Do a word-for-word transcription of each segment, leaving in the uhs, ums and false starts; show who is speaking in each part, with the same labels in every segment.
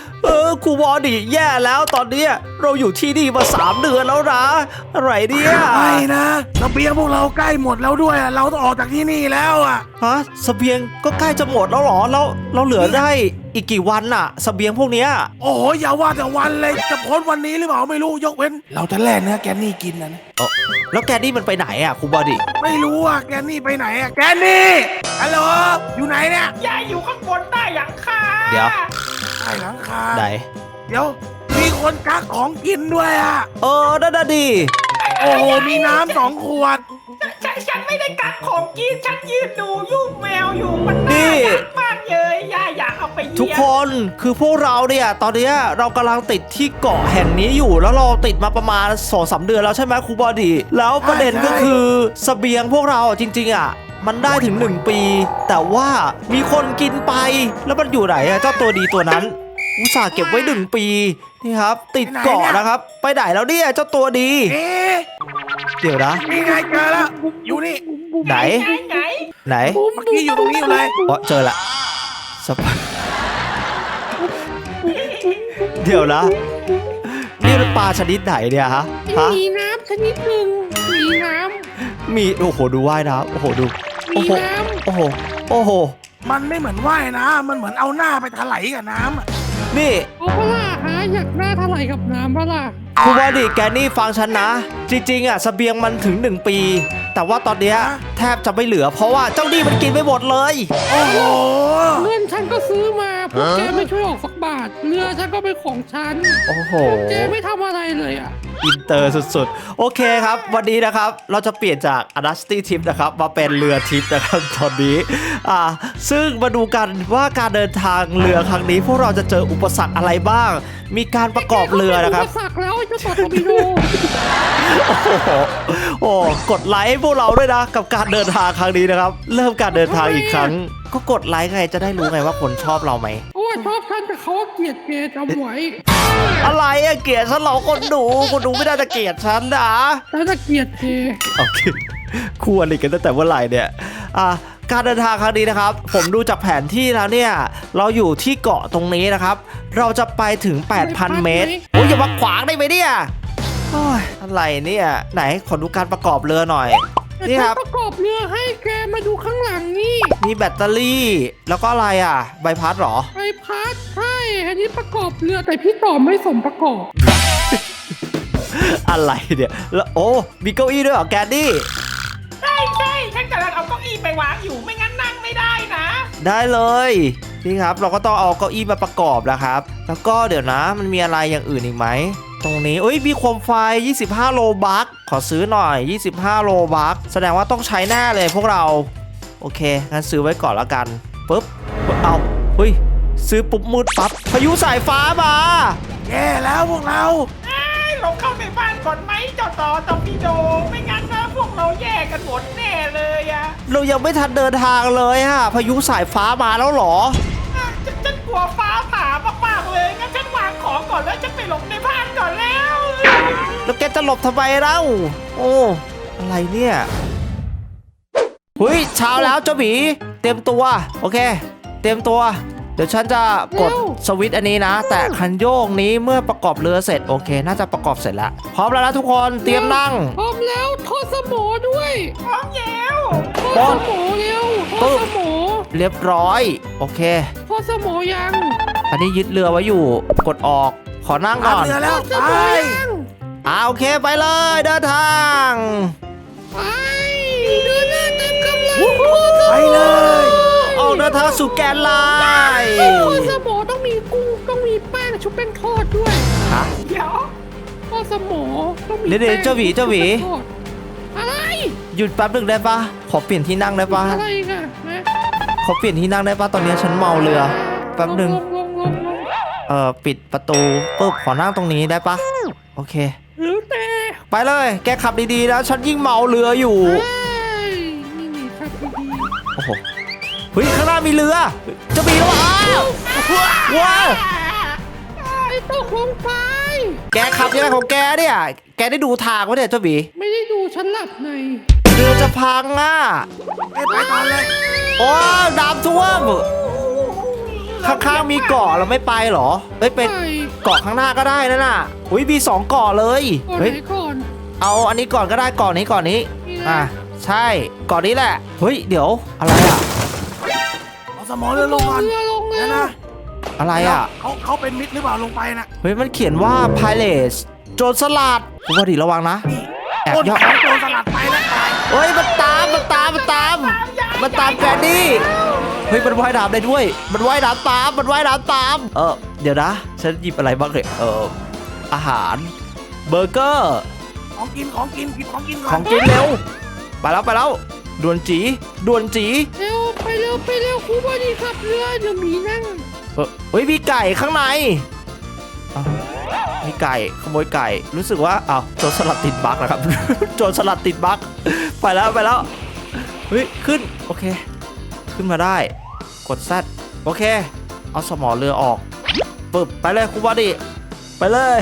Speaker 1: เออครูบอดิแย่แล้วตอนนี้เราอยู่ที่นี่มาสามเดือนแล้วนะอะไรเนี่ย
Speaker 2: ไม่นะเสบียงพวกเราใกล้หมดแล้วด้วยเราต้องออกจากที่นี่แล้วอ่ะ
Speaker 1: ฮะเสบียงก็ใกล้จะหมดแล้วหรอแล้วเราเหลือได้อีกกี่วันน่ะเสบียงพวกเนี้ย
Speaker 2: โอ้โหอย่าว่าแต่วันเลยจะพ้นวันนี้หรือเปล่าไม่รู้ยกเว้นเราจะแล่เนื้อแกนนี่กินนะ
Speaker 1: เออแล้วแกนี่มันไปไหนอ่ะครูบอดิ
Speaker 2: ไม่รู้อ่ะแกนนี่ไปไหนอ่ะแกนนี่ฮัลโหลอยู่ไหนเนี่ย
Speaker 3: ยายอยู่ข้างบนใต้หลังคา
Speaker 1: เดี๋ยว
Speaker 2: ใต้หลังคา
Speaker 1: ไหน
Speaker 2: เดี๋ยวมีคนกักของกินด้วยอ่ะ
Speaker 1: เออนั่นน่ะดิ
Speaker 2: โอ้โหมีน้ำสองขวด
Speaker 3: ฉันฉันไม่ได้กักของกินฉันยืนดูยุ่งแมวอยู่มันน่ารักมากเลยยายอยากเอาไปเยี่ยม
Speaker 1: ทุกคนคือพวกเราเนี่ยตอนนี้เรากำลังติดที่เกาะแห่งนี้อยู่แล้วเราติดมาประมาณสองสามเดือนแล้วใช่ไหมครูบอดีแล้วประเด็นก็คือเสบียงพวกเราจริงๆอ่ะมันได้ถึงหนึ่งปีแต่ว่ามีคนกินไปแล้วมันอยู่ไหนอะเจ้าตัวดีตัวนั้นอุตส่าห์เก็บไว้หนึ่งปีนี่ครับติดเกาะนะครับไปไหนแล้วเนี่ยเจ้าตัวดีเดี๋ยวนะ
Speaker 2: นี่ไงเจอแล้วอยู่นี่
Speaker 1: ไหน
Speaker 3: ไหน
Speaker 1: ไหน
Speaker 2: เมื่อกี้อยู่ตรงนี้อยู่เลย
Speaker 1: อ๋อเจอละสปเดี๋ยวนะนี่เป็นปลาชนิดไหนเนี่ยฮะ
Speaker 4: มีน้ำชนิดหนึ่งมีน้
Speaker 1: ำมีโอ้โหดูว่ายน้ำโอ้โหดู
Speaker 4: โอ้โห
Speaker 1: โอ้โหโอ้โห
Speaker 2: มันไม่เหมือนว่ายนะมันเหมือนเอาหน้าไปถลายกับน้ำอ่ะ
Speaker 1: นี่
Speaker 4: เอาเปล่าฮะอยากหน้าถลายกับน้ำเปล่า
Speaker 1: ครูบอดีแกนี่ฟังฉันนะจริงๆอ่ะเสบียงมันถึงหนึ่งปีแต่ว่าตอนเนี้ยแทบจะไม่เหลือเพราะว่าเจ้านี่มันกินไปหมดเลย
Speaker 2: โอ้โห
Speaker 4: เงินฉันก็ซื้อมาพวกแกไม่ช่วยออกสักบาทเรือฉันก็เป็นของฉัน
Speaker 1: โอ้โห
Speaker 4: แกไม่ทำอะไรเลยอ่ะ
Speaker 1: อินเตอร์สุดๆโอเคครับวันนี้นะครับเราจะเปลี่ยนจากอดัสตี้ทิปนะครับมาเป็นเรือทิปนะครับตอนนี้อ่าซึ่งมาดูกันว่าการเดินทางเรือครั้งนี้พวกเราจะเจออุปสรรคอะไรบ้างมีการประกอบเรือนะครับ
Speaker 4: อุปสรรคแล้วจะต่อทอร์ปิโด
Speaker 1: โอ้โหโอ้กดไลค์พวกเราด้วยนะกับการเดินทางครั้งนี้นะครับเริ่มการเดินทางอีกครั้งก็กดไลค์ไงจะได้รู้ไงว่าคนชอบเราไหม
Speaker 4: โอ้ชอบฉันแต่เขาเกลียดแกจำไว้
Speaker 1: อะไรอะเกลียดฉันเราคนดูคนดูไม่ได้จะเกลียดฉันนะ
Speaker 4: ฉันจะเกลียดแก
Speaker 1: โอเคคู่อะไรกันตั้งแต่เมื่อไหร่เนี่ยอ่ะการเดินทางครั้งนี้นะครับผมดูจากแผนที่แล้วเนี่ยเราอยู่ที่เกาะตรงนี้นะครับเราจะไปถึง แปดพัน เมตรโอ้ยอย่ามาขวางได้ไหมเนี่ยโอ้ยอะไรเนี่ยไหนขอดูการประกอบเรือหน่อยนี่ครับ
Speaker 4: ประกอบเรือให้แกมาดูข้างหลังนี่
Speaker 1: มีแบตเตอรี่แล้วก็อะไรอ่ะใบพัดหรอ
Speaker 4: ใบพัดใช่อันนี้ประกอบเรือแต่พี่ต่อไม่สมประกอบ
Speaker 1: อะไรเนี่ยแล้วโอ้มีเก้าอี้ด้วยเหรอแกนดี้
Speaker 3: ใช่ใช่ฉันกำลังเอาเก้าอี้ไปวางอยู่ไม่งั้นนั่งไม่ได้นะ
Speaker 1: ได้เลยนี่ครับเราก็ต้องเอาเก้าอี้มาประกอบแล้วครับแล้วก็เดี๋ยวนะมันมีอะไรอย่างอื่นอีกไหมตรงนี้เอ้ยมีโคมไฟยี่สิบห้าโลบัคขอซื้อหน่อยยี่สิบห้าโลบัคแสดงว่าต้องใช้แน่เลยพวกเราโอเคงั้นซื้อไว้ก่อนแล้วกันปุ๊บเอาเฮ้ยซื้อปุ๊บมืดปั๊บพายุสายฟ้ามา
Speaker 2: แย่แล้วพวกเรา
Speaker 3: ลงเข้าในบ้านก่อนไหมเจ้าต่อตอร์ปิโดไม่งั้นนะพวกเราแย่กันหมดแน่เลยอะ
Speaker 1: เรายังไม่ทันเดินทางเลยฮะพายุสายฟ้ามาแล้วหรอ
Speaker 3: ฉันฉันกลัวฟ้าผ่ามากๆเลยงั้นฉันวางของก่อนแล้วจะไปหลบในบ้านก่อนแล้ว
Speaker 1: แล้วแกจะหลบทำไมเล่าโอ้อะไรเนี่ยเฮ้ยเช้าแล้วเจ้าหมีเตรียมตัวโอเคเตรียมตัวเดี๋ยวฉันจะกดสวิตช์อันนี้นะแต่คันโยกนี้เมื่อประกอบเรือเสร็จโอเคน่าจะประกอบเสร็จแล้วพร้อมแล้วนะทุกคนเตรียมนั่ง
Speaker 4: พร้อมแล้วทอดสมอด้วย
Speaker 3: พร้อมแล้ว
Speaker 4: ทอดสมอเร็วทอดสมอ
Speaker 1: เรียบร้อยโอเค
Speaker 4: ทอดสมอยัง
Speaker 1: อันนี้ยึดเรือไว้อยู่กดออกขอนั่งก่อน
Speaker 2: เรือแล้วไป
Speaker 1: อ่าโอเคไปเลยเดินทาง
Speaker 4: ไปเดินหน้าเต็มกำลัง
Speaker 2: ไปเลย
Speaker 1: ออกเดินทางสู่แกนไลน์
Speaker 4: ทอดสมอต้องมีกุ้งต้องมีแป้งชุบแป้งทอดด้วย
Speaker 1: ฮะ
Speaker 3: เดี๋ยว
Speaker 4: ทอดสมอต้องมี
Speaker 1: เดี๋ยวเจ้าหวีเจ้าหวี
Speaker 4: อะไร
Speaker 1: หยุดแป๊บหนึ่งได้ปะขอเปลี่ยนที่นั่งได้ปะ
Speaker 4: อะไรกันนะ
Speaker 1: ขอเปลี่ยนที่นั่งได้ปะตอนนี้ฉันเมาเรือแป๊บหนึ่งเอ่อปิดประตูปุ๊บขอนั่งตรงนี้ได้ปะโอเค
Speaker 4: หรือแต่
Speaker 1: ไปเลยแกขับดีๆนะฉันยิ่งเมาเรืออยู่
Speaker 4: นี่นี่ครับดี
Speaker 1: โอ้โหเฮ้ยข้างหน้ามีเรือจะมีแล้วอ้าวว้าว
Speaker 4: ไอ้ตกลงไป
Speaker 1: แกขับยังไงของแกเนี่ยแกได้ดูทางวะเนี่ยเจ้าบี
Speaker 4: ไม่ได้ดูฉันหลับใน
Speaker 1: เรือจะพังอ่ะ
Speaker 2: ไปก่อนเลย
Speaker 1: โอ้น้ำท่วมข้างๆมีเกาะเราไม่ไปเหรอเฮ้ยไป
Speaker 4: ไป
Speaker 1: เกาะข้างหน้าก็ได้นั่นน่ะอุ้ยมีสองเกาะเลย
Speaker 4: ก่อน
Speaker 1: เฮ้ย
Speaker 4: ไหนก่อน
Speaker 1: เอาอันนี้ก่อนก็ได้เกาะนี้เกาะนี้
Speaker 4: นี่นะ
Speaker 1: อ่ะใช่เกาะนี้แหละเฮ้ยเดี๋ยวอะไรอ่ะ
Speaker 2: เอาสมอเรือลงก่อน
Speaker 4: เรือลงเล
Speaker 2: นะ
Speaker 4: ย
Speaker 2: นะ
Speaker 1: อะไรอ่ะ
Speaker 2: เขาเขาเป็นมิตรหรือเปล่าลงไปนะ
Speaker 1: เฮ้ยมันเขียนว่า Pirates โจรสลัดคุณพอดีระวังนะ แอบ
Speaker 2: ต้น
Speaker 1: ย่อ
Speaker 2: ของโจรสลัดไปแล้วตาย
Speaker 1: เฮ้ยมันตามมันตามมันตามมันตามแกรนนี่เฮ้ยมันว่ายน้ำได้ด้วย มันว่ายน้ำตามมันว่ายน้ำตามเออเดี๋ยวนะฉันหยิบอะไรบ้างเลยเอออาหารเบอร์เกอร์
Speaker 2: ของกินของกินกินของกินก่
Speaker 1: ข
Speaker 2: อ
Speaker 1: อน งกินเร็วไปแล้วไปแล้วด่วนจีด่วนจี
Speaker 4: เร็วไปเร็วไปเร็วครูบอดีขับเรือเดี๋ยวหมีนั่ง
Speaker 1: เออเฮ้ยมีไก่ข้างในอ้าวมีไก่ขโมยไก่รู้สึกว่าอ้าวโจรสลัดติดบั๊กนะครับ โจรสลัดติดบั๊กไปแล้วไปแล้วเฮ้ยขึ้นโอเค ขึ้นมาได้กดแซดโอเคเอาสมอเรือออกปึ๊บไปเลยครูบอดี้ไปเลย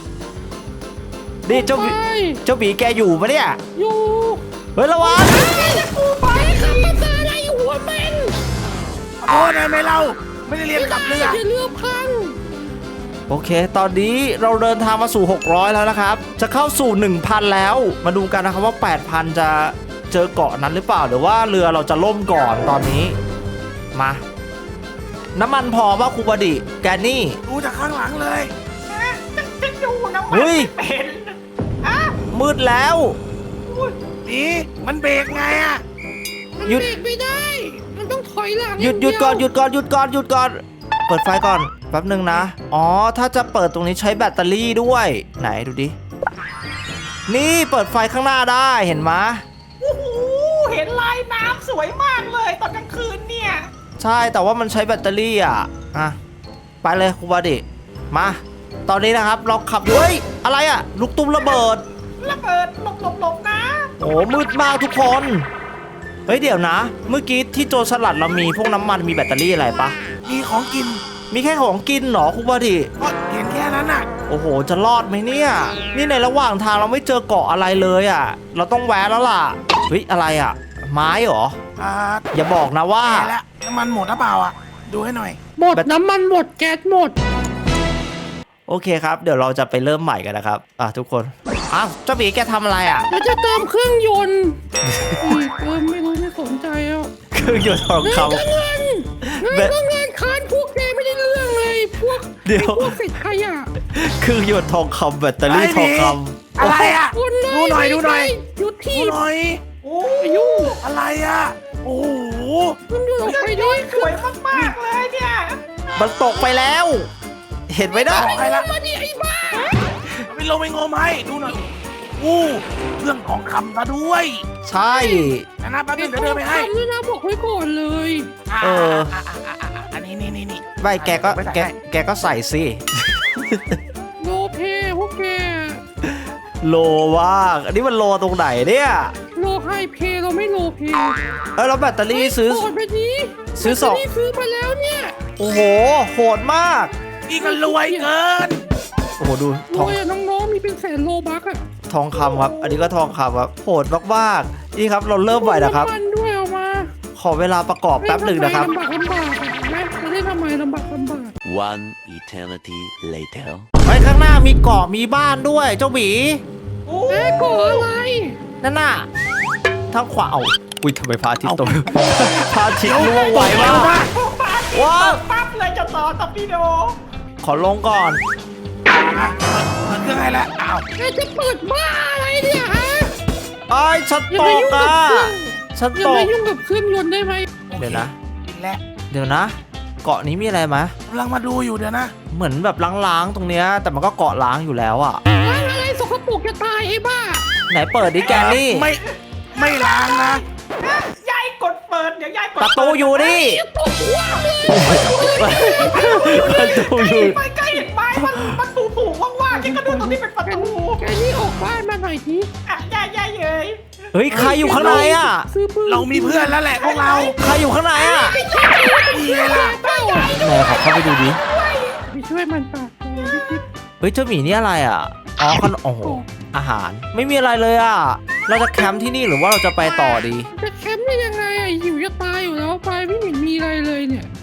Speaker 1: นี่เจ้าหมี
Speaker 4: ไป
Speaker 1: เจ้าหมีแกอยู่ปะเนี่ย
Speaker 4: อยู่
Speaker 1: เฮ้ยระวัง
Speaker 4: ไปขับมาเจออะไรหัวแมน
Speaker 2: ขอโทษนะไม่เล่าไม่ได้เรียนกับเรือ
Speaker 4: อย่าเรือพัง
Speaker 1: โอเค ตอนนี้เราเดินทางมาสู่หกร้อยแล้วนะครับจะเข้าสู่ หนึ่งพัน แล้วมาดูกันนะครับว่า แปดพัน จะเจอเกาะนั้นหรือเปล่าหรือว่าเรือเราจะล่มก่อนตอนนี้มาน้ำมันพอป่ะครูบอดี้แกนนี่
Speaker 2: ดูจากข้างหลังเลย
Speaker 3: ฉันฉันดูน้ำมัน
Speaker 1: เฮ้ย
Speaker 3: ไม่เป็นอ่ะ
Speaker 1: มืดแล้ว
Speaker 2: นี่มันเบรกไงอะ
Speaker 4: มัน
Speaker 1: หยุด
Speaker 4: เบรกไม่ได้ มันต้องถอยหลัง
Speaker 1: หยุดหยุดก่อนหยุดก่อนหยุดก่อนหยุดก่อนเปิดไฟก่อนแป๊บหนึ่งนะ อ๋อ ถ้าจะเปิดตรงนี้ใช้แบตเตอรี่ด้วย ไหนดูดิ นี่เปิดไฟข้างหน้าได้เห็นไหมย
Speaker 3: โอ้โหเห็นลายน้ำสวยมากเลยตอนกลางคืนเนี่ย
Speaker 1: ใช่แต่ว่ามันใช้แบตเตอรี่อ่ะ อ่ะ ไปเลยครูบาดิมา ตอนนี้นะครับเราขับอยู่เฮ้ย อะไรอ่ะ ลูกตุ้มระเบิด
Speaker 3: ระเบิดหลบหลบหลบนะ
Speaker 1: โอ้มืดมากทุกคน เฮ้ยเดี๋ยวนะ เมื่อกี้ที่โจรสลัดเรามีพวกน้ำมันมีแบตเตอรี่อะไรปะ
Speaker 2: มีของกิน
Speaker 1: มีแค่ของกินเหรอครูบาดิ
Speaker 2: ก็เห็นแค่นั้นน่ะ
Speaker 1: โอ้โห จะรอดไหมเนี่ย นี่ในระหว่างทางเราไม่เจอเกาะอะไรเลยอ่ะ เราต้องแวะแล้วล่ะ เฮ้ย อะไรอ่ะ ไม้เหรอ
Speaker 2: อ่า
Speaker 1: อย่าบอกนะว่า
Speaker 2: แก่แล้วน้ำมันหมดหรือเปล่าอ่ะ ดูให้หน่อย
Speaker 4: หมดน้ำมันหมดแก๊สหมด
Speaker 1: โอเคครับ เดี๋ยวเราจะไปเริ่มใหม่กันนะครับ อ่ะทุกคน อ้าวเจ้าหมีแกทำอะไรอ่ะ
Speaker 4: เราจะเติมเครื่องยนต์อุ้ยเติมไม่รู้ไม่สนใจแล้ว
Speaker 1: เครื่องยนต์ทอง
Speaker 4: เงิน
Speaker 1: ค
Speaker 4: ก็เงินเงินก็เงินคานพวกแกไม่ได้เรื่องเลย พวก
Speaker 1: ำเดี๋ยว
Speaker 4: พวกเศษขยะ
Speaker 1: เครื่องยนต์ทองคำแบตเตอรี่ทองคำ
Speaker 2: อะไรอ่ะ
Speaker 4: คนเลย
Speaker 2: ดูหน่อยดูหน่อย
Speaker 4: หยุด
Speaker 2: ดู
Speaker 4: ที่
Speaker 2: หน่อย
Speaker 3: โอ้
Speaker 4: อายุ
Speaker 2: อะไรอ่ะ โอ้โห
Speaker 4: มันหยุดออกไปด้
Speaker 3: ด้
Speaker 4: ว
Speaker 3: วย ยสวยมากๆเลยเนี่ย
Speaker 1: มันตกไปแล้ว เห็นไหมนะ
Speaker 2: ไปละ
Speaker 4: มาดิไอ้บ้า
Speaker 2: ไปลงไปงมให้ดูหน่อยอู้เรื่องของคำซะด้วย
Speaker 1: ใช่
Speaker 2: นะนะแป๊บนึงเดี๋ยวเดินไปให้
Speaker 4: ทำด้วยนะบอกไว้ก่อนเลย
Speaker 1: เออ
Speaker 2: ะะะะะอันนี้นี่นี่นี่
Speaker 1: ไม่แกก็
Speaker 2: ไม่ใส่
Speaker 1: แก
Speaker 2: ให้
Speaker 1: แกก็ใส่สิ
Speaker 4: โลเพพวกแก
Speaker 1: โลว่างอันนี้มันโลตรงไหนเนี่ย
Speaker 4: โลไฮเพเราไม่โลเพ
Speaker 1: เออแล้วแบตเตอรี่ซื้อ
Speaker 4: ก่อนไปนี้
Speaker 1: ซื้อสอง
Speaker 4: แบตเตรี่ซื้อมาแล้วเนี่ย
Speaker 1: โอ้โห โหดมาก
Speaker 2: พี่ก็รวยเกิน
Speaker 1: โอ้โห ดู
Speaker 4: โล
Speaker 1: ทอง
Speaker 4: อะน้องๆมีเป็นแสนโลบักอะ
Speaker 1: ทองคำครับ อันนี้ก็ทองคำครับ โหดมากๆนี่ครับ เราเริ่มใหม่นะครับ
Speaker 4: มันด้วยเอามา
Speaker 1: ขอเวลาประกอบแป๊บหนึ่งนะครับ
Speaker 4: ลำบากลำบากอะแม่จะได้ทำไมลำบากลำบาก
Speaker 5: One eternity later.
Speaker 1: ไปข้างหน้ามีเกาะมีบ้านด้วย เจ้าหมี
Speaker 3: โอ้
Speaker 4: แม่ก่ออะไร
Speaker 1: นั่นน่ะทางขวาเอาอุ้ยทำไมพระอาทิตย์ตก พระอาทิตย์ล่วงไวมาก
Speaker 3: พวกบ้าน
Speaker 1: ว้าว
Speaker 3: ปั๊บเลยจะต่อตอร์ปิโด
Speaker 1: ขอลงก่อน
Speaker 2: อ่ะเปิดเครื่องให้แล้วอ้าว
Speaker 4: แม่จะเปิดบ้าอะไรเนี่ยฮะ
Speaker 1: ไอ้ยฉัน
Speaker 4: อย่า
Speaker 1: ต
Speaker 4: มาก ยุ่งกับ
Speaker 1: อ่ะ
Speaker 4: เครื่อง
Speaker 1: ฉัน
Speaker 4: อย่า
Speaker 1: ต
Speaker 4: มาก ยุ่งกับเครื่องยนต์ได้ไหม
Speaker 1: เดี๋ยวนะ
Speaker 2: กินแล้ว
Speaker 1: เดี๋ยวนะ เกาะนี้มีอะไรไหม
Speaker 2: กำลังมาดูอยู่เดี๋ยวนะ
Speaker 1: เหมือนแบบล้างๆตรงเนี้ยแต่มันก็เกาะล้างอยู่แล้วอ่ะ
Speaker 4: ล้างอะไรสกปรกจะตายไอ้บ้า
Speaker 1: ไหนเปิดดิแกนนี่
Speaker 2: ไม่ไม่ล้างนะ
Speaker 3: ยายกดเปิดเดี๋ยวยายกด
Speaker 1: ประตูอยู่นี่
Speaker 4: ตกหัวเลย
Speaker 1: ประตูอยู่
Speaker 3: ไปใกล้เห็นไหมมันมันถูถูว่างๆยังก็ดูตรงนี้เป็นประตู
Speaker 4: แกนี่ออกบ้านมาหน่อยที
Speaker 3: อ่ะยายยายเอ้ย
Speaker 1: เฮ้ยใครอยู่ข้างในอ่ะ
Speaker 4: ซื้อปืน
Speaker 2: เรามีเพื่อนแล้วแหละพวกเรา
Speaker 1: ใครอยู่ข้างในอ่ะ
Speaker 2: ดีไงล่ะ
Speaker 4: เป้า
Speaker 1: ไหนขอเข้าไปดูดิ
Speaker 4: ไปช่วยมันปากโอ้ยพี่
Speaker 1: เฮ้ยเจ้าหมีนี่อะไรอ่ะอ๋อขนมโอ้โหอาหารไม่มีอะไรเลยอ่ะเราจะแคมป์ที่นี่หรือว่าเราจะไปต่อดี
Speaker 4: จะแคมป์ได้ยังไงอะหิวจะตายอยู่แล้วไปไม่เห็นมีอะไรเลยเนี่ย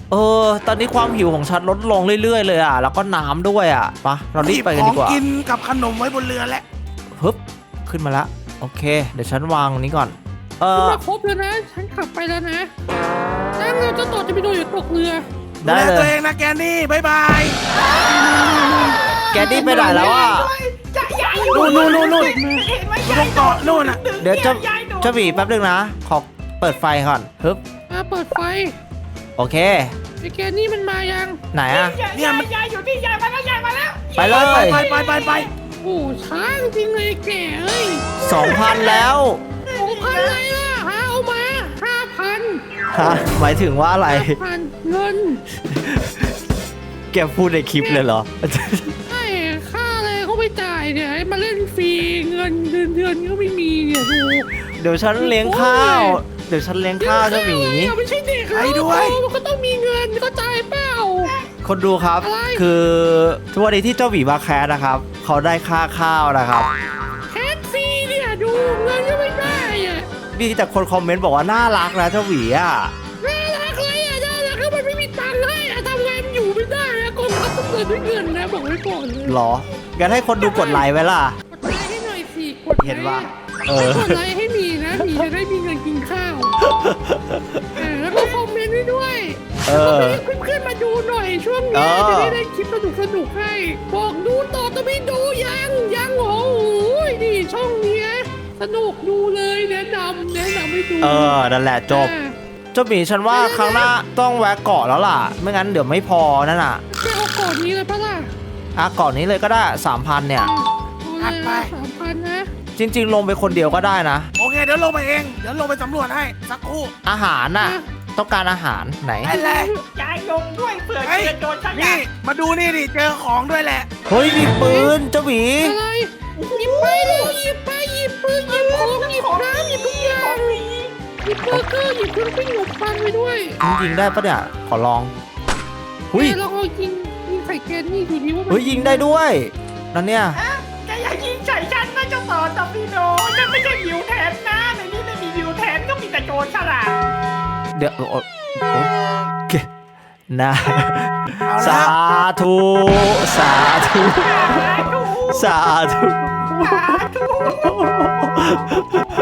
Speaker 1: เออ ตอนนี้ความหิวของฉันลดลงเรื่อยๆเลยอ่ะ แล้วก็น้ำด้วยอ่ะปะเรารีบไปกัน
Speaker 2: ขอ
Speaker 1: ดี
Speaker 2: ง
Speaker 1: กว่า
Speaker 2: กินกับขนมไว้บนเรือแล้ว
Speaker 1: ฮึบขึ้นมาแล้วโอเค เดี๋ยวฉันวางนี้ก่อน เอ
Speaker 4: ฉัน
Speaker 1: อ
Speaker 4: มาครบแล้วนะ ฉันขับไปแล้วนะนั่งเรือเจ้าต่อจะไปโดนอยู่ตกเรือ
Speaker 1: ได้
Speaker 2: ดูแล
Speaker 1: เล
Speaker 2: ตัวย เองนะแกนี่บ๊ายบาย
Speaker 1: แกดี้ไปไหนแล้วอ่ะ
Speaker 3: ยายยายอยู่
Speaker 2: นู่นนู่นนู่น
Speaker 3: เห็นไหม
Speaker 2: อยู่
Speaker 3: ยา
Speaker 2: ตร
Speaker 3: ย
Speaker 2: งเกาะนู่นน่ะ
Speaker 1: เดี๋ยวจะ
Speaker 3: ยายโดน
Speaker 1: เจ้าหมีแป๊บนึงนะ ขอเปิดไฟก่อนฮึบ
Speaker 4: มาเปิดไฟ
Speaker 1: โอเค
Speaker 4: ไอ้แกนี่มันมายัง
Speaker 1: ไหนอ่ะ
Speaker 3: ยายยายยายอยู่ที่ยายมาแล้วยายมาแล้ว
Speaker 1: ไปเลย
Speaker 2: ไปไปไปไป
Speaker 4: โอ้ช้าจริงเลยแกเอ้ย
Speaker 1: สองพันแล้ว
Speaker 4: สองพันอะไรล่ะหาเอามาห้าพัน
Speaker 1: ฮะหมายถึงว่าอะไร
Speaker 4: ห้าพันเงิน
Speaker 1: แกพูดในคลิปเลยเหรอ
Speaker 4: ไอ้ค่าอะไรเขาไปจ่ายเนี่ยให้มาเล่นฟรีเงินเดือนเดือนก็ไม่มีเนี่ยดู
Speaker 1: เดี๋ยวฉันเลี้ยงข้าว เดี๋ยวฉันเลี้ยงข้าวเจ้าหมี
Speaker 4: เดี๋ยวไม่ใช่เด็กแล้วมันก็ต้องมีเงินก็จ่ายเปล่า
Speaker 1: คนดูครับ
Speaker 4: อะไร
Speaker 1: คือทุกวันนี้ที่เจ้าหมีมาแคสนะครับ เขาได้ค่าข้าวนะครับ
Speaker 4: แคสฟรีเนี่ยดูเงินก็ไม่ได้อะ
Speaker 1: มีแต่คนคอมเมนต์บอกว่าน่ารักนะเจ้าหมีอ่ะ
Speaker 4: น่ารักเลยอ่ะน่ารักแล้วมันไม่มีตังค์ให้อะทำงานอยู่ไม่ได้อะกองทัพต้องเดินด้วยเงินนะบอกไว้ก่อนเลย
Speaker 1: หรองั้นให้คนดูกดไลค์ไว้ล่ะ
Speaker 4: กดไลค์ให้หน่อยสิกดไลค์
Speaker 1: เห็นว่าเออ
Speaker 4: กดไลค์ให้มีนะมีจะได้มีเงินกินข้าวเออแล้วก็คอมเมนต์ไว้ด้วย
Speaker 1: เออ
Speaker 4: เพื่อนๆมาดูหน่อยช่วง
Speaker 1: เอ
Speaker 4: นี้
Speaker 1: อ
Speaker 4: จะได้ได้คลิปสนุกสนุกๆให้บอกดูต่อจะไม่ดูยังยังโอ้โหนี่ช่องเนี้ยสนุกดูเลยแนะนำแนะนำให้ดู
Speaker 1: เออ นั่นแหละจบ
Speaker 4: อ่า
Speaker 1: เจ้าหมีฉันว่าครั้งหน้าต้องแวะเกาะแล้วล่ะ ไม่งั้นเดี๋ยวไม่พอนั่นน่ะ
Speaker 4: แกเอาก่อนนี้เลยปะล่ะ
Speaker 1: อ่ะเกาะนี้เลยก็ได้สามพันเนี่ย
Speaker 4: เอาเลยสามพันนะ
Speaker 1: จริง ๆ ลงไปคนเดียวก็ได้นะ
Speaker 2: โอเคเดี๋ยวลงไปเองเดี๋ยวลงไปสำรวจให้สักครู่
Speaker 1: อาหารน่ะ ต้องการอาหารไหน
Speaker 2: ไปเลย
Speaker 3: ยายลงด้วยเผื่อ
Speaker 2: เฮ้ย
Speaker 3: เจอโจรฉลา
Speaker 2: นี่
Speaker 3: ด
Speaker 2: มาดูนี่ดิเจอของด้วยแหละ
Speaker 1: เฮ้ยมีปืนเจ้าหมี
Speaker 4: อะไรหยิบไปเลยหยิบไปหยิบปืนหยิบของหยิบน้ำหยิบทุกอย่าง หยิบเบอร์เกอร์หยิบเครื่องปิ้งขนมปังไปด้วย
Speaker 1: ยิงได้ปะเนี่ยขอลองหุย
Speaker 4: แกลองเอายิงยิงใส่แกนนี่ดูดิว่ามัน
Speaker 1: เฮ้ยยิงได้ด้วยนั่นเนี่ย
Speaker 3: แกอย่ายิงใส่ฉันนะเจ้าต่อตอร์ปิโดฉันไม่ใช่วิวแทนนะในนี้ไม่มีวิวแทนก็มีแต่โจรฉลาด
Speaker 1: เดี๋ยวโอ้โอ้โอเคนะ
Speaker 2: เอา
Speaker 1: สา
Speaker 2: ละ
Speaker 1: ธุสาธุ
Speaker 3: สาธุ
Speaker 1: สาธุ
Speaker 3: สาธุ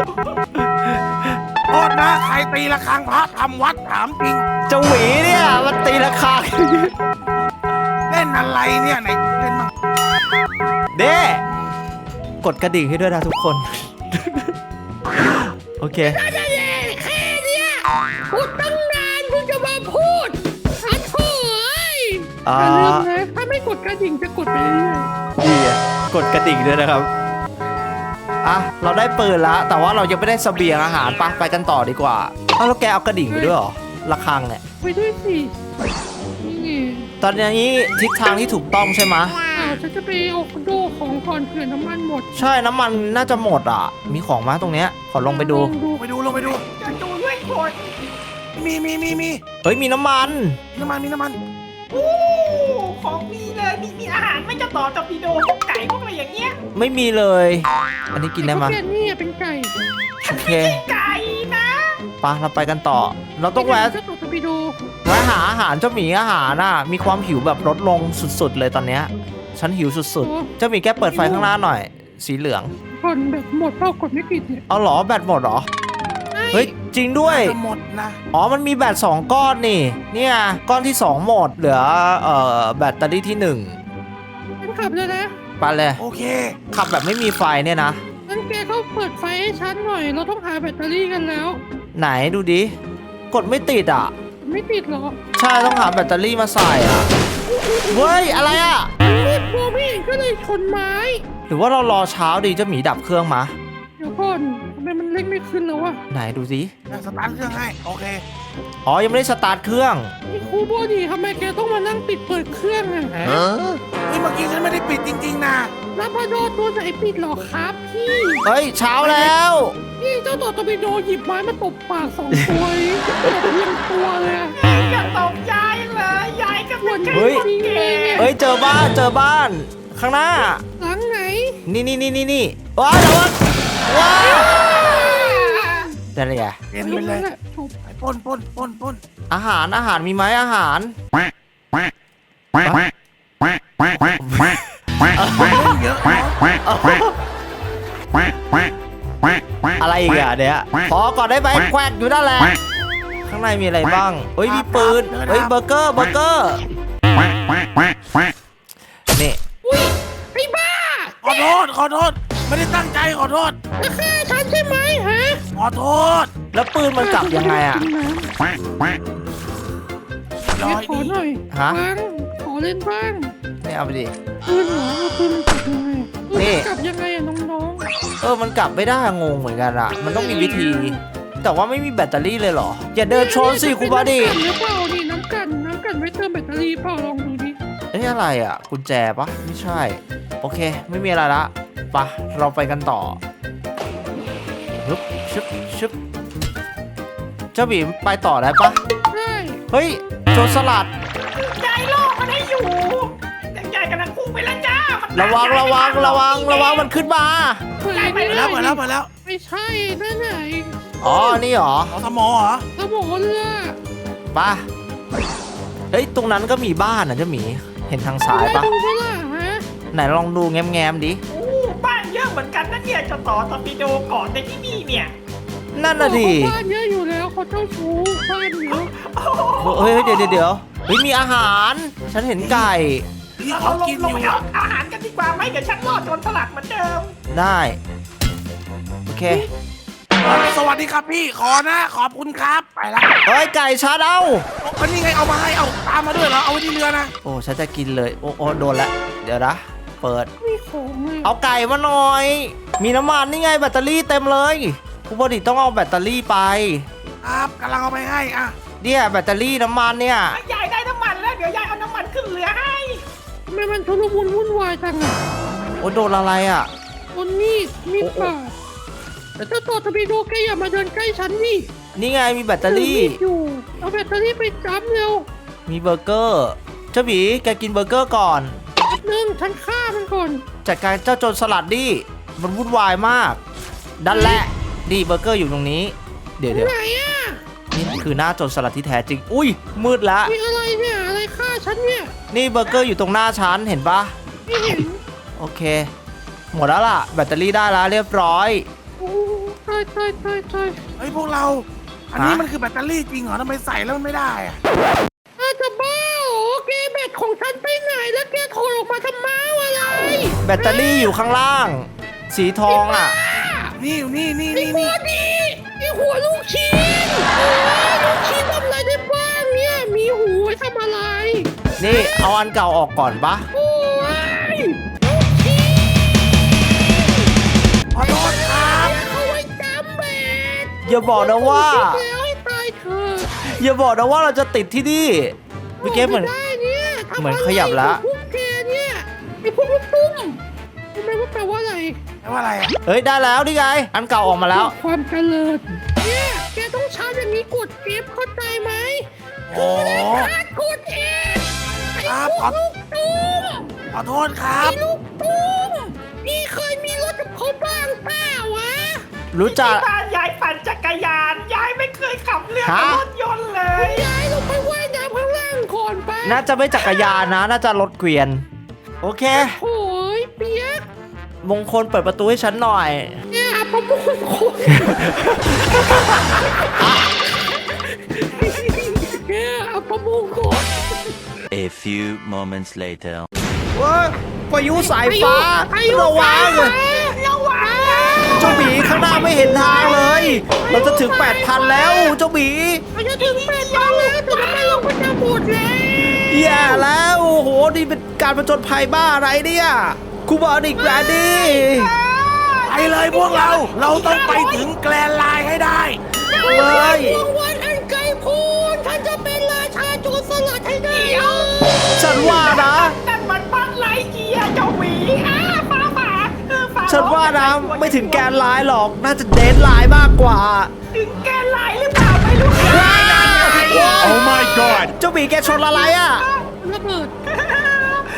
Speaker 2: โทษนะใครตีระฆังพระทำวัดถามจริง
Speaker 1: เจ้าหมีเนี่ยมันตีราคา
Speaker 2: เล่นอะไรเนี่ยไหนเล่นมั่ง
Speaker 1: เด้กดกระดิ่งให้ด้วยนะทุกคน โอเค
Speaker 4: แค่เนี้ยพูดตั้งนานเพิ่งจะมาพูดอัดโถ่เอ้ย
Speaker 1: อ่า
Speaker 4: อย่าลืมนะถ้าไม่กดกระดิ่งจะกดไปเรื่อย
Speaker 1: ดีอะกดกระดิ่งด้วยนะครับอ่ะเราได้ปืนแล้วแต่ว่าเรายังไม่ได้เสบียงอาหารปะไปกันต่อดีกว่าเอ้าแล้วแกเอากระดิ่งไปด้วยเหรอระฆังเนี่ย
Speaker 4: ๆไปด้วยสินี่ไง
Speaker 1: ตอนนี้ทิศทางที่ถูกต้องใช่ไหม
Speaker 4: อ้าวฉันจะไปเอาโดของก่อนเผื่อน้ำมันหมด
Speaker 1: ใช่น้ำมันน่าจะหมดอ่ะ มีของมาตรงเนี้ยขอลงไปดู
Speaker 4: ลองดู
Speaker 2: ลงไปดูลงไปดู
Speaker 3: จะดูด้วยคน
Speaker 2: มีมีมีมี
Speaker 1: เฮ้ยมีน้ำมัน
Speaker 2: มีน้ำมันมีน้ำมัน
Speaker 3: โอ้ของดีเลยมีมีอาหารไม่เจ้าต่อตอร์ปิโดพวกไก่พวกอะไรอย่างเงี้ย
Speaker 1: ไม่มีเลย อันนี้กินได้มั้ย
Speaker 4: แกนนี่อะเป็นไก่
Speaker 1: โอเค
Speaker 3: ไก่นะ
Speaker 1: ไปะเราไปกันต่อ เราต้องแวะ
Speaker 4: จะตกไปดู
Speaker 1: แวะหาอาหารเจ้าหมีอาหารน่ะมีความหิวแบบลดลงสุดๆเลยตอนเนี้ยฉันหิวสุดๆเจ้าหมีแกเปิดไฟข้างหน้าหน่อย สีเหลือง
Speaker 4: ก่อนแบบหมดเป้ากดไม่ติดเนี่ย
Speaker 1: เอาเหรอแบตหมดเหรอเฮ้ยจริงด้วย
Speaker 2: จะหมดนะ
Speaker 1: อ๋อ มันมีแบตสองก้อนนี่ เนี่ย ก้อนที่สองหมด เหลือ เอ่อ แบตเตอรี่ที่หนึ่ง
Speaker 4: ฉันขับเลยนะ
Speaker 1: ไปเลย
Speaker 2: โอเค
Speaker 1: ขับแบบไม่มีไฟเนี่ยนะ
Speaker 4: งั้นแกก็เปิดไฟให้ฉันหน่อย เราต้องหาแบตเตอรี่กันแล้ว
Speaker 1: ไหนดูดิ กดไม่ติดอ่ะ
Speaker 4: ไม่ติดหรอ
Speaker 1: ใช่ต้องหาแบตเตอรี่มาใส่อ่ะ เฮ้ย อะไรอ่ะ
Speaker 4: รีบมองไม่เห็นก็เลยชนไม้
Speaker 1: หรือว่าเรารอเช้าดีเจ้าหมีดับเครื่องมา
Speaker 4: เดี๋ยวก่อนทำไมมันเร่งไม่ขึ้นแล้ววะ
Speaker 1: ไหนดูสิ
Speaker 2: จะสตาร์ทเครื่องให้ โอเค
Speaker 1: อ๋อ ยังไม่ได้สตาร์ทเครื่อง
Speaker 4: นี่ครูโบดีทำไมแกต้องมานั่งปิดเปิดเครื่องอะ
Speaker 2: เฮ้ยเมื่อกี้ฉันไม่ได้ปิดจริง ๆ นะ
Speaker 4: รับพาโดตัวไหนปิดหรอครับพี่
Speaker 1: เฮ้ย เช้าแล้ว
Speaker 4: พี่เจ้าตัวตอร์ปิโดหยิบไม้มาตบปากสองตัวนี้ตบเรียงตัวเลยอะ
Speaker 3: อย่าตบยายเลยยายก็เป็นแค่
Speaker 1: เฮ้ย
Speaker 3: คนแก่
Speaker 1: เฮ้ย เจอบ้าน เจอบ้าน ข้างหน้า
Speaker 4: หลังไหน
Speaker 1: นี่นี่นี่นี่นี่ว้าวเดี๋ยวว้าวว้าวนั่นไง
Speaker 2: เป็นไปเลยไปปล้นปล้นปล้นปล้น
Speaker 1: อาหารอาหารมีไหมอาหาร
Speaker 2: เล่นเยอะเนาะ
Speaker 1: อะไรอีกอ่ะเนี่ยขอก่อนได้ไหมแควกอยู่นั่นแหละข้างในมีอะไรบ้างเฮ้ยมีปืนเฮ้ยเบอร์เกอร์เบอร์เกอร์นี่
Speaker 4: อุ้ยไอ้บ้า
Speaker 2: ขอโทษขอโทษไม่ได้ตั้งใจขอโทษ
Speaker 4: จะฆ่าฉันใช่ไหมฮะ
Speaker 2: ขอโทษ
Speaker 1: แล้วปืนมันกลับยังไงอ่ะ
Speaker 2: ร้อย
Speaker 4: ขอ
Speaker 2: ดี
Speaker 4: หน่อย
Speaker 1: ฮะ
Speaker 4: บ้างขอเล่นบ้าง
Speaker 1: ไม่เอาไปดิ
Speaker 4: ปืนเหรอเอาปืนมันกลับยังไง
Speaker 1: นี่
Speaker 4: ปืนมันกลับยังไงอะน้อง
Speaker 1: เออมันกลับไม่ได้งงเหมือนกันอ่ะมันต้องมีวิธี แต่ว่าไม่มีแบตเตอรี่เลยเหรออย่า
Speaker 4: ๆ
Speaker 1: เดินชนสิคุณบอดี้
Speaker 4: น้ำกันหรือเปล่านี่น้ำกันน้ำกันไว้เติมแบตเตอรี่เปล่าลองดูดิ
Speaker 1: เอ้ยอะไรอ่ะกุญแจปะไม่ใช่โอเคไม่มีอะไรละไปะเราไปกันต่อชึบชึบชึบเจ้าบีมไปต่อได้ปะ
Speaker 4: ใช่
Speaker 1: เฮ้ยโจรสลัด
Speaker 3: ยายล่อมันให้อยู่ยายกำลังพุ่งไปแล้วจ้ามัน
Speaker 1: ระวังระวังระวังระวังมันขึ้นมา
Speaker 4: เปิด
Speaker 3: ไป
Speaker 2: ไปแล้วไปแล้วไปแล้ว
Speaker 4: ไม่ใช่นั่นไหน
Speaker 1: อ๋อนี่เหรอ
Speaker 2: ขอสมอเหรอ
Speaker 4: สมอเรือ
Speaker 1: ปะเฮ้ยตรงนั้นก็มีบ้านอ่ะเจ้าหมีเห็นทางซ้ายปะ
Speaker 4: ดูไหมล่ะฮะ
Speaker 1: ไหนลองดูแง้มๆดิ
Speaker 3: โอ้บ้านเยอะเหมือนกันนะเนี่ยเจะต่อตอร์ปิโดเกาะในที่นี่เนี่ย
Speaker 1: นั่นน่ะดิ
Speaker 4: เขาบ้านเยอะอยู่แล้วเขาเจ้าชู้บ้านเยอะ
Speaker 3: โอ้โห
Speaker 1: เฮ้ยเดี๋ยวเดี๋ยวเดี๋ยวเฮ้ยมีอาหาร ฉันเห็นไก่
Speaker 2: นี่
Speaker 3: เรา
Speaker 2: เขา
Speaker 3: ลง
Speaker 2: กิน
Speaker 3: ล
Speaker 2: อง ยู่
Speaker 3: ไปเอาอาหารกันดีกว่าไหมเดี๋ยวฉันรอดโจรสลัดเหมือนเดิม
Speaker 1: ได้โอเค
Speaker 2: สวัสดีครับพี่ขอนะ ขอบคุณครับไปแล้ว
Speaker 1: เฮ้ยไก่ชาร์จเอา
Speaker 2: อันนี้ไงเอามาให้เอาตามมาด้วยเหรอเอาไว้ที่เรือนะ
Speaker 1: โอ้ฉันจะกินเลยโอ้โอ้โดนละเดี๋ยวนะเปิด
Speaker 4: มีของเลย
Speaker 1: เอาไก่มาหน่อย มีน้ำมันนี่ไงแบตเตอรี่เต็มเลยคุณบอดี้ต้องเอาแบตเตอรี่ไป
Speaker 2: ครับกำลังเอาไปให้อ่ะ
Speaker 1: เนี่ยแบตเตอรี่น้ำมันเนี่ย
Speaker 3: ยายได้น้ำมันแล้วเดี๋ยวยายเอาน้ำมันขึ้นเรือให้
Speaker 4: ทำไมมันชุลมุนวุ่นวายจังอ่ะ
Speaker 1: โอ้โดนอะไรอ่ะ
Speaker 4: คนมีดมีดป่าแต่เจ้าตัวทบีโดแกอย่ามาเดินใกล้ฉันนี่
Speaker 1: นี่ไงมีแบตเตอรี่
Speaker 4: ถือมีดอยู่เอาแบตเตอรี่ไปจับเร็ว
Speaker 1: มีเบอร์เกอร์เจ้าหมีแกกินเบอร์เกอร์ก่อน
Speaker 4: แป๊บนึงฉันฆ่ามันก่อน
Speaker 1: จัดการเจ้าโจรสลัดดิมันวุ่นวายมากดันแหละดีเบอร์เกอร์อยู่ตรงนี้ เดี๋ยวเดี๋ยว
Speaker 4: ไหนอ่ะ
Speaker 1: นี่คือหน้าโจรสลัดที่แท้จริง อุ้ยมืดละ
Speaker 4: มีอะไรเนี่ยอะไรฆ่าฉันเนี่ย
Speaker 1: นี่เบอร์เกอร์อยู่ตรงหน้าฉันเห็นปะ
Speaker 4: ไม่เห็น
Speaker 1: โอเค หมดแล้วล่ะ แบตเตอรี่ได้แล้วเรียบร้อย
Speaker 4: โอ้ตายตายตายตาย
Speaker 2: เฮ้ยพวกเรา อันนี้
Speaker 1: ฮะ
Speaker 2: มันคือแบตเตอรี่จริงเหรอทำไมใส่แล้วมันไม่ได้อะ
Speaker 4: อาจจะบ้าเหรอแกแบตของฉันไปไหนแล้วแกโทรออกมาทำไมอะไร
Speaker 1: แบตเตอรี่อยู่ข้างล่าง สีทองอ่ะ
Speaker 2: นี่อยู่นี่นี่
Speaker 4: ไอ้
Speaker 2: นี่
Speaker 4: หั
Speaker 2: นี่
Speaker 4: วดีไอ้หัวลูกชิ้นโอ้ยลูกชิ้นทำอะไรได้บ้างเนี่ย มีหูไว้ทำอะไร
Speaker 1: นี่เอาอันเก่าออกก่อนปะ
Speaker 4: โอ้ยลูกชิ้น
Speaker 2: ขอโทษครับ
Speaker 4: เอาไว้จำแบต
Speaker 1: อย่าบอกนะว่า
Speaker 4: คิดแล้วให้ตายเถอะ
Speaker 1: อย่าบอกนะว่าเราจะติดที่นี่เมื่อกี้เหมือน
Speaker 4: ไได้เนี่ยทำ
Speaker 1: เหมือนขยับละ
Speaker 4: อะไรกับพวกแกเนี่ยไอ้พวกลูกตุ้มรู้ไหมว่าแปลว่าอะไร
Speaker 2: แปลว่าอะไรอ่ะ
Speaker 1: เฮ้ยได้แล้วนี่ไง อันเก่าออกมาแล้ว
Speaker 4: ความเจริญเนี่ยแกต้องใช้อย่างนี้กด F เข้าใจไหม
Speaker 2: โอ้
Speaker 4: การกด F ไอ้
Speaker 2: ครับ
Speaker 4: พวกลูกตุ้ม
Speaker 2: ขอโทษครับ
Speaker 4: ไอ้ลูกตุ้มนี่เคยมีรถกับเขาบ้างเปล่าวะ
Speaker 1: รู้จัก
Speaker 3: ที่บ้านยายปั่นจักรยานยายไม่เคยขับเรือ
Speaker 1: ฮะ
Speaker 3: รถยนต์เลย
Speaker 4: ย้ายลงไปว่ายน้ำข้างล่างก่อนไป
Speaker 1: น่าจะไม่จักรยานนะ น่าจะรถเกวียน โอเค
Speaker 4: โอ้ยเปียก
Speaker 1: มงคลเปิดประตูให้ฉันหน่อย
Speaker 4: เนี่ยประมุขคนเนี่ยเอาประมุขคน
Speaker 5: A few moments later.
Speaker 1: ว้าพายุสายฟ้าระวัง
Speaker 4: ระวัง
Speaker 1: เจ้าหมีข้างหน้าไม่เห็นทางเลย เราจะถึง แปดพัน แล้วเจ้าหมี
Speaker 4: มันจะถึงแปดพันแล้วแต่ทำไมเราก็จะหมดแล้ว
Speaker 1: แย่แล้วโอ้โหนี่เป็นการผจญภัยบ้าอะไรเนี่ยคูบอนิกแรนดี้
Speaker 2: ไปเลยพวกเรา เราต้องไปถึงแกลนไลน์ให้ได้
Speaker 1: เฮ้ย
Speaker 4: ดวงวันอันไกลโพ้นฉันจะเป็นราชาโจรสลัดให้ได้
Speaker 3: เดี๋ยว
Speaker 1: ฉันว่านะ
Speaker 3: นั่นมันบ้านไรเกียร์เจ้าหวีอ้าฟ้าผ่าเออฟ้า
Speaker 1: ฉันว่านะไม่ถึงแกนไลน์หรอก น่าจะเดนไลน์มากกว่า
Speaker 3: ถึงแกนไลน์หรือเปล่าไม่รู้
Speaker 1: ว้าว
Speaker 6: Oh my god!
Speaker 1: เจ้าหมีแกชนอะไรอ่ะ
Speaker 4: ระเบิด
Speaker 1: ช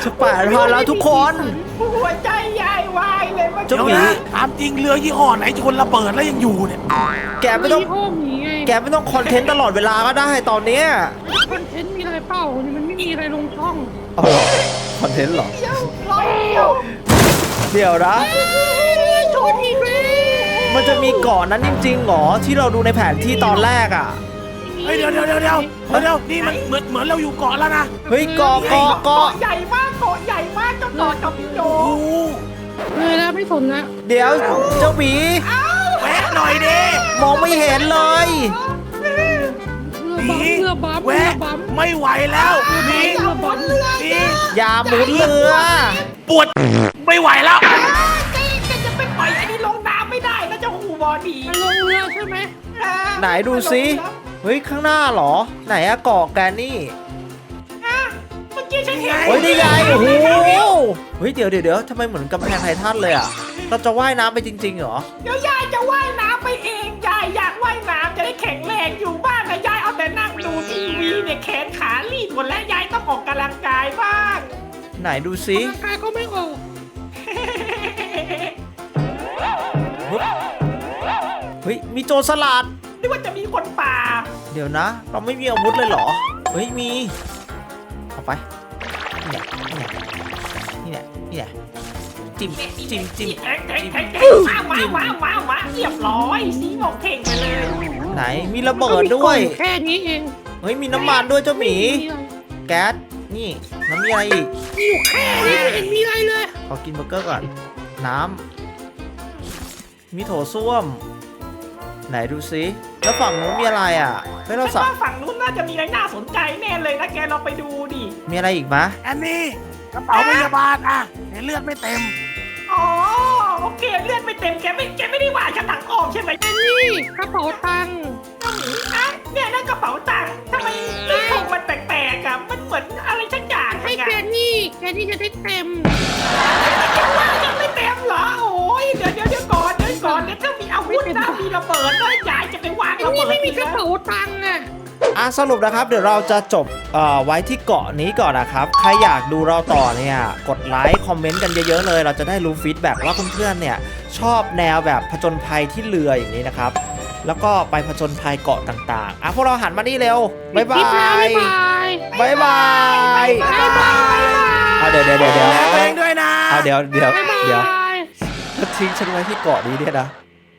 Speaker 1: จะแปดพันแล้วทุกคน
Speaker 3: หัวใจยายวายเลยว่า
Speaker 1: เจ้า
Speaker 2: เดี๋ยว
Speaker 1: หมี
Speaker 2: นะถามจริงเรือยี่ห้อไหนชนระเบิดแล้วยังอยู่เนี่ย
Speaker 1: แกไม่ต้อง
Speaker 4: มีห้องหนีไง
Speaker 1: แกไม่ต้องคอนเทนต์ตลอดเวลาก็ได้ตอนเนี้ย
Speaker 4: คอนเทนต์มีอะไรเปล่านี่มันไม่มีอะไรลงช่อง
Speaker 1: เอาเหรอคอนเทนต์เหรอ
Speaker 3: เดียวร้อยเดียว
Speaker 1: เดี๋ยวนะ
Speaker 4: ชนอีกแล้ว
Speaker 1: มันจะมีเกาะนั้นจริงๆเหรอที่เราดูในแผนที่ตอนแรกอ่ะ
Speaker 2: เฮ้ยเดี๋ยวเดี๋ยวเดี๋ยวเดี๋ยวเดี๋ยวนี่มันเหมือนเหมือนเราอยู่เกาะแล้วนะ
Speaker 1: เฮ้ยเกาะเกาะเกาะ
Speaker 3: เกาะใหญ่มากเกาะใหญ่มากเจ้าต่อจอมพิโด
Speaker 2: โอ้โห
Speaker 4: เลยแล้วไม่สนละ
Speaker 1: เดี๋ยวเจ้าหมี
Speaker 2: แวะหน่อยดิ
Speaker 1: มองไม่เห็นเลย
Speaker 4: เรือบัม
Speaker 2: แวะ
Speaker 4: เรือบัม
Speaker 2: ไม่ไหวแล้วหนี
Speaker 4: เรือบัม
Speaker 2: หนี
Speaker 1: อย่าหมุนเรือ
Speaker 2: ปวดไม่ไหวแล้ว
Speaker 3: แกจะไปปล่อยอันนี้ลงน้ำไม่ได้นะเจ้าหูบอดี
Speaker 4: มันลงเรือใช่ไหม
Speaker 1: ไหนดูซิเฮ้ยข้างหน้าเหรอ ไหนอะเกาะแกนี่
Speaker 3: เมื่อกี้ฉันเห็น
Speaker 1: โอ้ยนี่ไงโอ้โหเฮ้ยเดี๋ยวเดี๋ยวเดี๋ยวทำไมเหมือนกำแพงไททันเลยอะเราจะว่ายน้ำไปจริงๆเหรอ
Speaker 3: เดี๋ยวยายจะว่ายน้ำไปเองยายอยากว่ายน้ำจะได้แข็งแรงอยู่บ้านนะยายเอาแต่นั่งดูทีวีเนี่ยแขนขาลีบหมดแล้วยายต้องออกกำลังกายบ้าง
Speaker 1: ไหนดูซิ
Speaker 4: ร่างกายก็ไม่ออก
Speaker 1: เฮ้ยมีโจรสลัด
Speaker 3: นึกว่าจะมีคนป่า
Speaker 1: เดี๋ยวนะ เราไม่มีอาวุธเลยเหรอ เฮ้ยมีเอาไปนี่เนี่ยนี่เนี่ยนี่เนี่ยจิ้มจิ้มจิ้ม
Speaker 3: แทงแทงแทงแทงมามามามามาเรียบร้อยสีหมอกเข่งไปเลย
Speaker 1: ไหนมีระเบิดด้วย
Speaker 4: แค่นี้เอง
Speaker 1: เฮ้ยมีน้ำมันด้วยเจ้าหมี แก๊สนี่น้ำมีอะไรอีก
Speaker 4: มีอยู่แค่นี้ไม่เห็นมีอะไรเลย
Speaker 1: ขอกินเบอร์เกอร์ก่อน น้ำมีโถส้วม ไหนดูซิแล้วฝั่งนู้นมีอะไรอ่ะเฮ้ยเรา
Speaker 3: ฉั
Speaker 1: สั
Speaker 3: น
Speaker 1: บ
Speaker 3: ว่าฝั่งนู้นน่าจะมีอะไรน่าสนใจแน่เลยนะแกลองไปดูดิ
Speaker 1: มีอะไรอีกมะ
Speaker 2: อันนี้กระเป๋าพยาบาลอ่ะเห็นเลือดไม่เต็ม
Speaker 3: อ๋อโอเคเลือดไม่เต็มแกไม่แกไม่ได้ว่าฉันหลังออกใช่ไหม
Speaker 4: อันนี้กระเป๋าตังค์
Speaker 3: อ่ะเนี่ยนั่นกระเป๋าตังค์ทำไมที่ทงมันแปลกๆอ่ะมันเหมือนอะไรสักอย่าง
Speaker 4: ให้
Speaker 3: ไง
Speaker 4: แกนี่แกนี่จะได้เต็ม
Speaker 3: ว่ายังไม่เต็มเหรอโอ้ยเดี๋ยวเดี๋ยวเดี๋ยวก่อนเดี๋ยวก่อนเดี๋ยวถ้ามีอาวุธนะมีระเบิดแล้วยายจะไปวาง
Speaker 4: อัน
Speaker 3: ระ
Speaker 4: นี้
Speaker 3: เบิด
Speaker 4: ไม่มีกระ
Speaker 3: นะ
Speaker 4: เป๋าตังค์อ่ะ
Speaker 1: อ่ะสรุปนะครับเดี๋ยวเราจะจบเอ่อไว้ที่เกาะนี้ก่อนนะครับ ใครอยากดูเราต่อเนี่ยกดไลค์คอมเมนต์กันเยอะๆเลย เราจะได้รู้ฟีดแบ็กว่าเพื่อนๆเนี่ยชอบแนวแบบผจญภัยที่เรืออย่างนี้นะครับ แล้วก็ไปผจญภัยเกาะต่างๆอ่ะพวกเราหันมานี่เร็วบ๊ายบา
Speaker 4: คลิปแล้ว
Speaker 1: ย
Speaker 4: บ๊ายบาย
Speaker 1: บ๊ายบาย
Speaker 4: บ๊ายบาย
Speaker 1: เอาเดี๋ยวเดี๋ยวเดี๋ยวเดี๋ยว
Speaker 2: แลตัวเองด้วยนะ
Speaker 1: เอาเดี๋ยวเดี๋ยว
Speaker 4: บ๊ายบาย
Speaker 1: เดี๋ยวทิ้งฉันไว้ที่เกาะนี้เนี่ยนะ